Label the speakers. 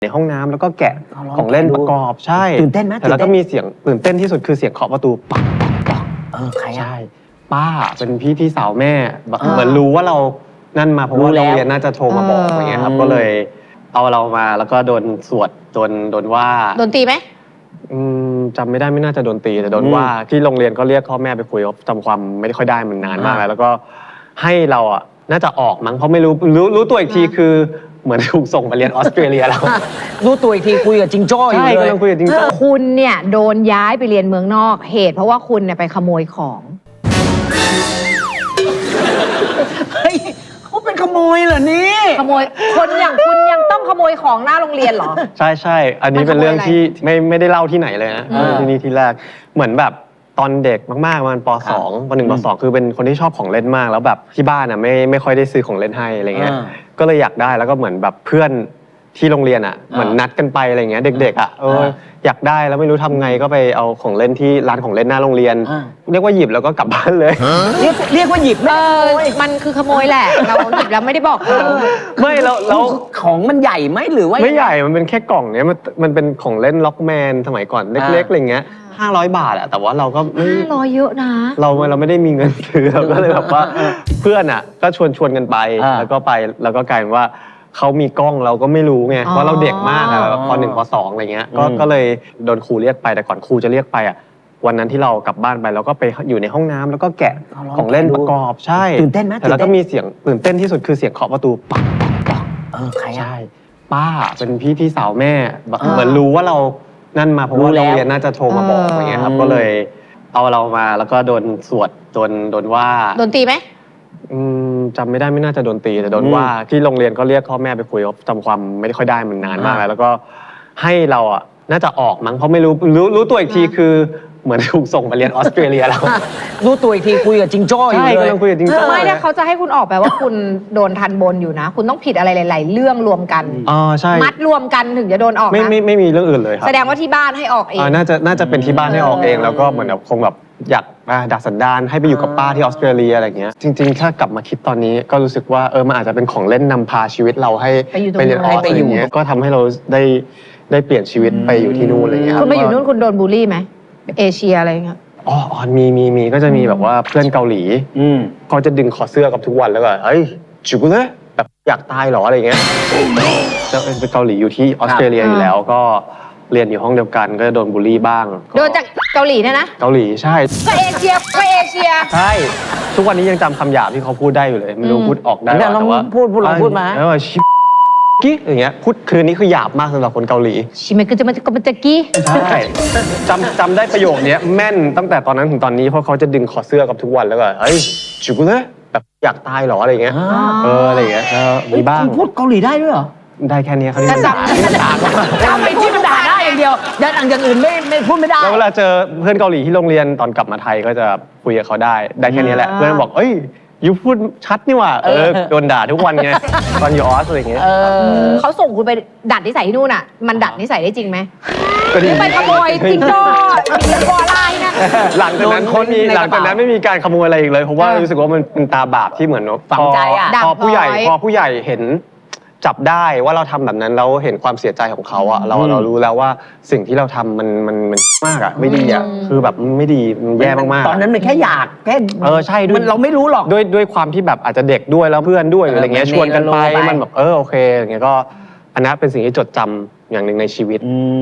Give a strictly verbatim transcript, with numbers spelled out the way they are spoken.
Speaker 1: ในห้องน้ำแล้วก็แกะของเล่นประกอบใช่
Speaker 2: ตื่นเต้นไหม
Speaker 1: แต่แล้วก็มีเสียงตื่นเต้นที่สุดคือเสียงเคาะประตูปักปักปัก
Speaker 2: เออใครอ่ะ
Speaker 1: ใช่ป้าเป็นพี่พี่สาวแม่แบบเหมือนรู้ว่าเรานั่นมาเพราะว่าโรงเรียนน่าจะโทรมาบอกอย่างเงี้ยครับก็เลยเอาเรามาแล้วก็โดนสวดโดนโดนว่า
Speaker 3: โดนตีไหม
Speaker 1: อืมจำไม่ได้ไม่น่าจะโดนตีแต่โดนว่าที่โรงเรียนก็เรียกพ่อแม่ไปคุยว่าจำความไม่ได้ค่อยได้มันนานมากแล้วแล้วก็ให้เราอ่ะน่าจะออกมั้งเพราะไม่รู้รู้รู้ตัวอีกทีคือเหมือนถูกส่งมาเรียนออสเตรเลียแล้ว
Speaker 2: รู้ตัวอีกทีคุยกับจิงโจ้อยู่เลย
Speaker 1: ใช่กำลังคุยกับจิงโจ้
Speaker 3: คุณเนี่ยโดนย้ายไปเรียนเมืองนอกเหตุเพราะว่าคุณเนี่ยไปขโมยของ
Speaker 2: เฮ้ยเขาเป็นขโมยเหรอนี่
Speaker 3: ขโมยคนอย่างคุณยังต้องขโมยของหน้าโรงเรียนเหรอ
Speaker 1: ใช่ใช่อันนี้เป็นเรื่องที่ไม่ไม่ได้เล่าที่ไหนเลยนะ
Speaker 3: อืม
Speaker 1: ที่นี่ที่แรกเหมือนแบบตอนเด็กมากๆมันป
Speaker 2: ครั
Speaker 1: ส
Speaker 2: บ
Speaker 1: องปหนึ่งปสองคือเป็นคนที่ชอบของเล่นมากแล้วแบบที่บ้านอ่ะไม่ไม่ค่อยได้ซื้อของเล่นให้อะไรเงี้ย
Speaker 2: อ่า
Speaker 1: ก็เลยอยากได้แล้วก็เหมือนแบบเพื่อนที่โรงเรียนอ่ะเหมือนนัดกันไปอะไรเงี้ยเด็กๆอ่ะเอออยากได้แล้วไม่รู้ทำไงก็ไปเอาของเล่นที่ร้านของเล่นหน้าโรงเรียน
Speaker 2: อ่า
Speaker 1: เรียกว่าหยิบแล้วก็กลับบ้านเลย
Speaker 2: เรียกเรียกว่าหยิบ
Speaker 3: เอ
Speaker 2: ไม่
Speaker 3: อมันคือขโมยแหละ เราหยิบแล้วไม่ได้บอกเขา
Speaker 1: ไม่แล้วแล้ว
Speaker 2: ของมันใหญ่ไหมหรือว่า
Speaker 1: ไม่ใหญ่มันเป็นแค่กล่องเนี้ยมันมันเป็นของเล่นล็อกแมนสมัยก่อนเล็กๆอะไรเงี้ยห้าร้อยบาทอะแต่ว่าเราก็ไม่
Speaker 3: ห้าร้อยเยอะนะ
Speaker 1: เราเราไม่ได้มีเงินซื้อเราก็เลยแบบว่าเพื่อนอ่ะก็ชวนชวนกันไป
Speaker 2: อ่า
Speaker 1: แล้วก็ไปแล้วก็กลายเป็นว่าเขามีกล้องเราก็ไม่รู้ไง
Speaker 3: อ๋อ
Speaker 1: เพราะเราเด็กมากอะแบบปหนึ่งปสองอะไรเงี้ยก็
Speaker 2: อืม
Speaker 1: ก็เลยโดนครูเรียกไปแต่ก่อนครูจะเรียกไปอ่ะวันนั้นที่เรากลับบ้านไปเราก็ไปอยู่ในห้องน้ำแล้วก็แกะของเล่นประกอบใช่
Speaker 2: ตื่นเต้นไหม
Speaker 1: แต่แล้วก็มีเสียงตื่นเต้นที่สุดคือเสียงเคาะประตูปักปักปัก
Speaker 2: เออใครอ่ะ
Speaker 1: ใช่ป้าเป็นพี่พี่สาวแม่แบบ
Speaker 2: อ่า
Speaker 1: เหมือนรู้ว่าเรานั่นมาเพราะว่า
Speaker 2: รู้แล้
Speaker 1: โร
Speaker 2: ว
Speaker 1: งเรียนน่าจะโทรมาบอกอย่างเงี้ยครับ
Speaker 2: อืม
Speaker 1: ก็เลยเอาเรามาแล้วก็โดนสวดโดนโดนว่า
Speaker 3: โดนตีไหม
Speaker 1: อืมจำไม่ได้ไม่น่าจะโดนตีแต่โดนว่าที่โรงเรียนก็เรียกพ่อแม่ไปคุยว่าจำความไม่ได้ค่อยได้มันนานมากแล้วแล้วก็ให้เราอ่ะน่าจะออกมั้งเพราะไม่รู้รู้รู้ตัวอีกทีคือเหมือนถูกส่งมาเรียนออสเตรเลียแล้ว
Speaker 2: รู้ตัวอีกทีคุยกับจิงโจ้อยู่
Speaker 1: ใช่
Speaker 2: เลย
Speaker 1: กำลังคุยกับจิงโจ้
Speaker 3: ไม่ถ้าเขาจะให้คุณออกแปลว่าคุณโดนทันบนอยู่นะ คุณต้องผิดอะไรหลาย ๆ เรื่องรวมกัน
Speaker 1: อ๋อใช่
Speaker 3: มัดรวมกันถึงจะโดนออก
Speaker 1: ไม่
Speaker 3: นะ
Speaker 1: ไม่ไม่มีเรื่องอื่นเลยครับ
Speaker 3: แสดงว่าที่บ้านให้ออกเอง
Speaker 1: อ่าน่าจะน่าจะเป็นที่บ้านให้ออกเองแล้วก็เหมือนแบบคงแบบอยากอ่าดัดสันดานให้ไปอยู่กับป้าที่ออสเตรเลียอะไรเงี้ยจริงๆ ถ้ากลับมาคิดตอนนี้ก็รู้สึกว่าเออมันอาจจะเป็นของเล่นนำพาชีวิตเราให้
Speaker 3: ไปอยู่ตรง
Speaker 1: ไปเรียนออส
Speaker 2: ไป
Speaker 1: อะไร
Speaker 2: อยู่
Speaker 1: เงี้ยก็ทำให้เราได้ได้เปลี่ยนชีวิตไปอยู่ที่นู่นอะไรเงี้ย
Speaker 3: คุณไปอยู่
Speaker 1: ว่า
Speaker 3: นู่นคุณโดนบูลลี่ไหมเอเชียอะไรเงี้ย
Speaker 1: อ๋ออ๋อมีมีมีก็จะมีแบบว่าเพื่อนเกาหลี
Speaker 2: อืม
Speaker 1: เขาจะดึงคอเสื้อกับทุกวันแล้วก็เฮ้ยจุกเลยแบบอยากตายเหรออะไรเงี้ยจะเป็นเกาหลีอยู่ที่ออสเตรเลียอยู่แล้วก็เรียนอยู่ห้องเดียวกันก็จะโดนบูลลี่บ้าง
Speaker 3: โดนจากเกาหลีเนี่ยนะ
Speaker 1: เกาหลีใช่
Speaker 3: ก็เอเชียก็เอเชีย
Speaker 1: ใช่ ทุกวันนี้ยังจำคำหยาบที่เขาพูดได้อยู่เลย ไม่รู้
Speaker 3: อืม
Speaker 1: พูดออกได้
Speaker 2: เนี่ย
Speaker 1: หรอ
Speaker 2: ลอง
Speaker 1: แต่ว่า
Speaker 2: พูดพูดลองพูดมา
Speaker 1: แล้วชิกี้อย่างเงี้ยพูดคืนนี้คือหยาบมากสำหรับคนเกาหลี
Speaker 3: ชิเมกุจะมาจะกมาจะกี้
Speaker 1: ใช่จำจำได้ประโยคเนี้ยแม่นตั้งแต่ตอนนั้นถึงตอนนี้เพราะเขาจะดึงคอเสื้อกับทุกวันแล้วก็เฮ้ยจุกเลยแบบอยากตายเหรออะไรเงี้ย
Speaker 2: อ่า
Speaker 1: เอออะไรเงี้ยเออมีบ้าง
Speaker 2: พูดเกาหลีได้ด้วยเหรอ
Speaker 1: ได้แค่เนี้ยเขาเรียก
Speaker 3: จะจำ
Speaker 1: ด่า
Speaker 2: จำไปที่มันด่าได้อย่างเดียวอย่างอย่างอื่นไม่ไม่พูดไม่ได้
Speaker 1: แล้วเวลาเจอเพื่อนเกาหลีที่โรงเรียนตอนกลับมาไทยก็จะคุยกับเขาได้ได้แค่นี้แหละ
Speaker 3: อ่า
Speaker 1: เพื่อนบอกเอ้ยยูพูดชัดนี่หว่าเออโดนด่าทุกวันไงตอนอยู่ออสอะไรเงี้ย
Speaker 2: เออ
Speaker 3: เขาส่งคุณไปดัดนิสัยที่นู่นอ่ะ มันดัดนิสัยได้จริงไหม
Speaker 1: ก็ดี
Speaker 3: ไปขโมยจิงโจ้จิงโจ้อะไรนะ
Speaker 1: หลังจากนั้น
Speaker 2: โดนค้น
Speaker 1: ไม่มี
Speaker 2: ใน
Speaker 1: ห
Speaker 2: ก
Speaker 1: ลั
Speaker 2: ระ
Speaker 1: ง
Speaker 2: เป๋า
Speaker 1: จากนั้นไม่มีการขโมยอะไรอีกเลย เพราะว่ารู้สึกว่ามันเป็นตาบาปที่เหมือนว่า
Speaker 2: ฝังใจอะ
Speaker 1: พอพอผู้ใหญ่
Speaker 3: ด่างพร้อย
Speaker 1: พอผู้ใหญ่เห็นจับได้ว่าเราทำแบบนั้นแล้วเห็นความเสียใจของเขาอะเรา
Speaker 2: อืม
Speaker 1: เรารู้แล้วว่าสิ่งที่เราทำมันมันมันมากอะไม่ดีอะ
Speaker 3: อืม
Speaker 1: คือแบบมันไม่ดีมันแย่มากๆ
Speaker 2: ตอนนั้นมันแค่อยากแค่
Speaker 1: เออใช่ด้วย
Speaker 2: มันเราไม่รู้หรอก
Speaker 1: ด้วยด้วยความที่แบบอาจจะเด็กด้วยแล้วเพื่อนด้วย
Speaker 2: เออ
Speaker 1: อะไรเงี้ย
Speaker 2: มัน
Speaker 1: ชวนกันไป
Speaker 2: เมโลไป
Speaker 1: มันแบบเออโอเคอย่างเงี้ยก็อันนั้นเป็นสิ่งที่จดจำอย่างหนึ่งในชีวิต
Speaker 2: อืม